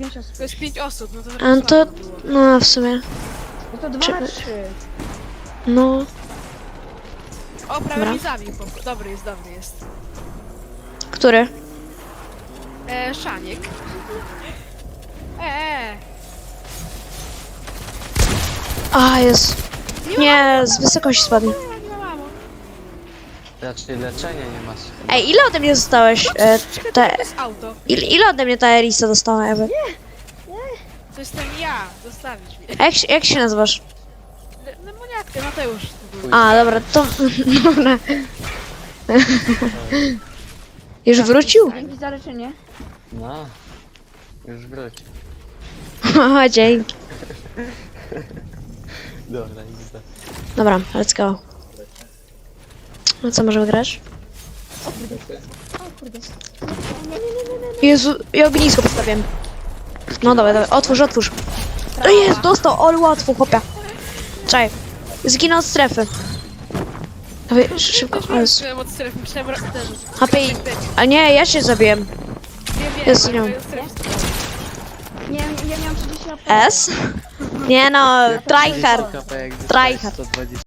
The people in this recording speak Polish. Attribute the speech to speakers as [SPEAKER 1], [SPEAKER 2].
[SPEAKER 1] 5 osób.
[SPEAKER 2] To jest 5 osób, no to
[SPEAKER 3] A no to,
[SPEAKER 2] słabo było.
[SPEAKER 3] no w sumie,
[SPEAKER 1] No to 2
[SPEAKER 3] Czy-
[SPEAKER 1] na 3.
[SPEAKER 3] no.
[SPEAKER 2] O, prawie
[SPEAKER 3] Dobra.
[SPEAKER 2] mi zabił. Dobry jest.
[SPEAKER 3] Który?
[SPEAKER 2] Szaniek.
[SPEAKER 3] A, jest. Nie, z wysokości spadł.
[SPEAKER 2] Nie ma mamo.
[SPEAKER 4] Raczej leczenia nie masz.
[SPEAKER 3] Ej, ile ode mnie dostałeś?
[SPEAKER 2] To jest auto.
[SPEAKER 3] Ile ode mnie ta Elisa dostała, Ewy?
[SPEAKER 2] To jestem ja. Zostawić mnie.
[SPEAKER 3] A jak się nazywasz?
[SPEAKER 2] No Moniatka, Mateusz.
[SPEAKER 3] A, dobra, to... Dobra. Już wrócił?
[SPEAKER 1] Dzięki za leczenie.
[SPEAKER 4] No. Już wróć.
[SPEAKER 3] O, dzięki.
[SPEAKER 4] Dobra, idź za.
[SPEAKER 3] Dobra, let's go. No co, możemy grać? Jezu, ja ognisko postawiłem. No dobra, otwórz. O jest, dostał, ale łatwo, chłopia. Czekaj, zginął od strefy. Dawaj, szybko, o Jezu.
[SPEAKER 2] Myślałem od strefy, myślałem ten.
[SPEAKER 3] HP, a nie, ja się zabiłem.
[SPEAKER 2] Wiem,
[SPEAKER 3] Jest, nie
[SPEAKER 2] ale
[SPEAKER 3] mam.
[SPEAKER 2] to jest strefy.
[SPEAKER 1] Nie, ja miałam 30 HP.
[SPEAKER 3] S? Nie no, tryhard.
[SPEAKER 4] KP jak
[SPEAKER 3] Tryhard.
[SPEAKER 4] 120.